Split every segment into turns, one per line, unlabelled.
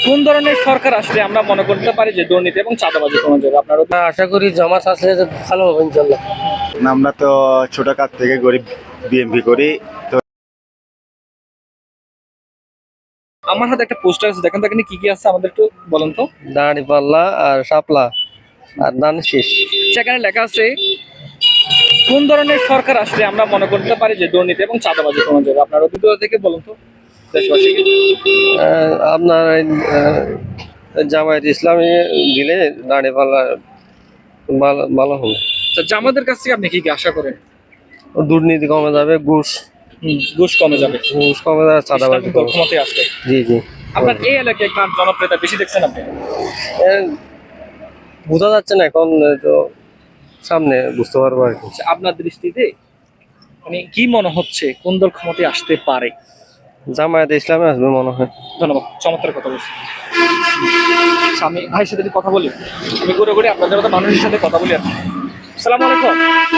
কোন ধরনের সরকার আসলে আমরা মনে করতে পারি যে দুর্নীতি এবং চাঁদাবাজি কমে যাবে? আপনার
আশা করি জামাত আসলে ভালো হবে ইনশাল্লাহ।
আমরা তো ছোট কাজ থেকে গরিব বিএমপি করি। তো
আমার হাতে একটা পোস্টার আছে, দেখেন দেখেন কি কি আছে আমাদের একটু বলেন তো।
দাঁড়ি পাল্লা আর শাপলা আর ধান শেষ।
সেখানে লেখা আছে কোন ধরনের সরকার আসলে আমরা মনে করতে পারি যে দুর্নীতি এবং চাঁদাবাজি কমে যাবে? আপনার অভিজ্ঞতা থেকে বলুন তো দেশবাসীকে।
আপনার জামায়াত ইসলামী দিলে দাঁড়ি পাল্লা ভালো ভালো হবে।
তো জামাতের কাছ থেকে আপনি কি কি আশা করেন?
দুর্নীতি কমে যাবে, ঘুষ
ঘুষ কমে যাবে,
ঘুষ কমে যাবে, চাঁদাবাজি
ইসলামিক দল
কমে।
ক্ষমতায় আসবে।
জি জি।
আপনার এই এলাকায় কার জনপ্রিয়তা বেশি দেখছেন আপনি?
এ, বোঝা যাচ্ছে না এখন, তো সামনে বুঝতে পারবো আর কি।
আচ্ছা, আপনার দৃষ্টিতে মানে কি মনে হচ্ছে কোন দল ক্ষমতায় আসতে পারে?
জামায়াত ইসলামে আসবে মনে হয়।
ধন্যবাদ, চমৎকার কথা বলছি। আচ্ছা, আমি ভাইয়ের সাথে একটু কথা বলি। আমি ঘুরে ঘুরে আপনাদের মতো মানুষের সাথে কথা বলি আর কি। আসসালামু আলাইকুম।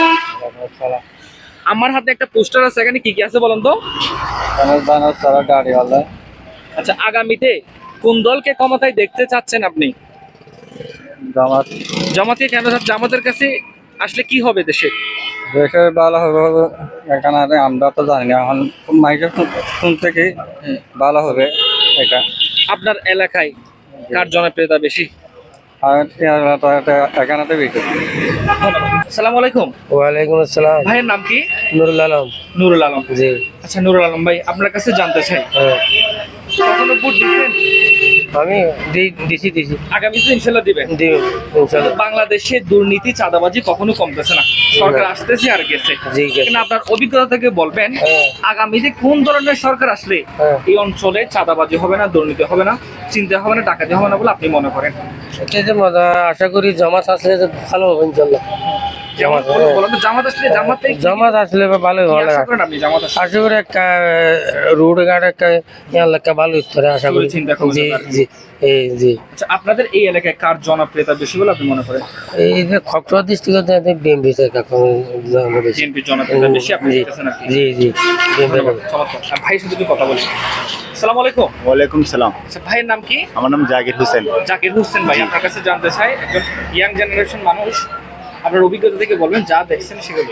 আমার হাতে একটা পোস্টার আছে, এখানে কি কি আছে বলেন তো।
গাড়িওয়ালা
আচ্ছা, আগামীতে কোন দলকে ক্ষমতায় দেখতে চাচ্ছেন আপনি?
জামাত
জামাতে কেন? জামাতের কাছে আসলে কি হবে দেশে?
দেশে ভালো হবে এখানে আমরা তো জানি না, এখন মাইকের শুনতে কি ভালো হবে এটা।
আপনার এলাকায় কার জনপ্রিয়তা বেশি?
আর এখানে তো বেশি।
আসসালামু আলাইকুম।
ওয়ালাইকুম আসসালাম।
ভাইয়ের নাম কি?
নুরুল আলম।
নুরুল আলম।
জি।
আচ্ছা নুরুল আলম ভাই, আপনার কাছে জানতে চাই
হ্যাঁ,
কখনো ভোট দিচ্ছেন?
আমি দিছি
আগামীতে ইনশাল্লাহ দিবেন।
দিব ইনশাল্লাহ।
বাংলাদেশে দুর্নীতি চাঁদাবাজি কখনো কমতেছে না, সরকার আসতেছে আর গেছে।
জি গেছে।
কিন্তু আপনার অভিজ্ঞতা থেকে বলবেন
হ্যাঁ।
আগামীতে কোন ধরনের সরকার আসলে
হ্যাঁ।
এই অঞ্চলে চাঁদাবাজি হবে না, দুর্নীতি হবে না, চিন্তা হবে না, ডাকাতি হবে না বলে আপনি মনে করেন?
এটা যে মজা, আশা করি জামাত আসলে ভালো হবে ইনশাল্লাহ।
জামাত বলেন তো, জামাত আসলে
জামাত আসলে ভালো
কি
হবে।
আশা করেন আপনি জামাত আসলে?
আশা করি একটা রোড ঘাট একটা এলাকা ভালো করে আশা করি।
চিন্তা করবেন
জি
আর কি।
জি জি।
আচ্ছা, আপনাদের এই এলাকায় কার জনপ্রিয়তা বেশি বলে আপনি মনে করেন?
এই যে খকরা ডিস্ট্রিক্টে বিএমপি
বিএনপির জনপ্রিয়তা বেশি আপনি দেখতেছেন আর কি।
জি জি।
ধন্যবাদ, চমৎকার। আর ভাইয়ের সাথে একটু কথা বলি। আসসালামু আলাইকুম।
ওয়ালাইকুম সালাম।
আচ্ছা, ভাইয়ের নাম কি?
আমার নাম জাকির হোসেন।
জাকির হোসেন ভাই, আপনার কাছে জানতে চাই, একজন ইয়াং জেনারেশন মানুষ, আপনার অভিজ্ঞতা থেকে বলবেন যা দেখছেন সেগুলো।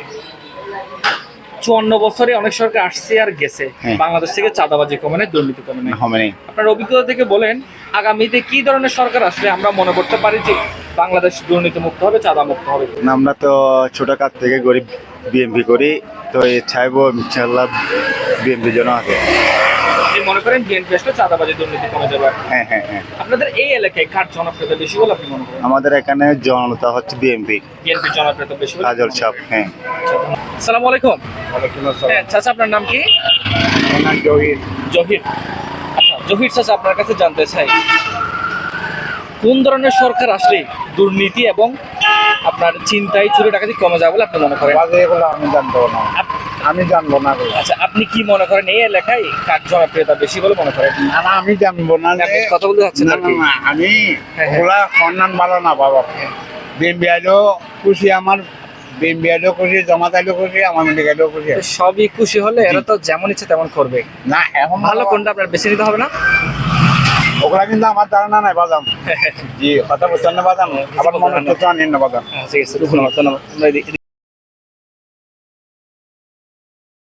54 বছরে অনেক সরকার আসছে আর গেছে,
হ্যাঁ।
বাংলাদেশ থেকে চাঁদাবাজি কমে নাই, দুর্নীতি কমে নাই।
হবে নেই।
আপনার অভিজ্ঞতা থেকে বলেন আগামীতে কি ধরনের সরকার আসলে আমরা মনে করতে পারি যে বাংলাদেশ দুর্নীতি মুক্ত হবে, চাঁদা মুক্ত হবে?
আমরা তো ছোট কাজ থেকে গরিব বিএমপি করি। তো এই চাইবো ইনশাল্লাহ বিএমপির জন্য আছে।
আপনি মনে করেন বিএনপি আসলে চাঁদাবাজি দুর্নীতি কমে যাবে?
হ্যাঁ হ্যাঁ হ্যাঁ।
আপনাদের এই এলাকায় কার জনপ্রিয়তা বেশি বলে আপনি মনে করেন?
আমাদের এখানে জনতা হচ্ছে বিএমপি,
বিএনপির জনপ্রিয়তা বেশি বলে?
কাজল সাহেব। হ্যাঁ।
আসসালামু আলাইকুম। হ্যাঁ চাচা, আপনার নাম কি?
জহির।
জহির। আচ্ছা জহির চাচা, আপনার কাছে জানতে চাই কোন ধরনের সরকার আসলে দুর্নীতি এবং আপনার চিন্তায় চুরি ডাকাতি কমে যাবে বলে আপনি মনে করেন?
আমি জানবো না, আমি জানবো না।
আচ্ছা, আপনি কি মনে করেন এই এলাকায় কার জনপ্রিয়তা বেশি বলে মনে করেন?
না আমি জানবো না।
আপনি কথা বলতে যাচ্ছেন আর কি।
আমি
হ্যাঁ, হ্যাঁ।
ওগুলা সন্ধান ভালো না বাবা। বিএমপি আইলেও খুশি, আমার বিএমপি আইলেও খুশি, জামাত আইলেও খুশি, আমার মিলিক আইলেও খুশি।
তো সবই খুশি হলে এরা তো যেমন ইচ্ছে তেমন করবে।
না এখন
ভালো কোনটা আপনার বেছে নিতে হবে না?
ওগুলা কিন্তু আমার ধারণা নাই বাদাম। জি কথা বলছেন না বাদাম, আবার মনে হচ্ছে আনেন না বাদাম।
ঠিক আছে, ধন্যবাদ ধন্যবাদ। আমরা এদিকে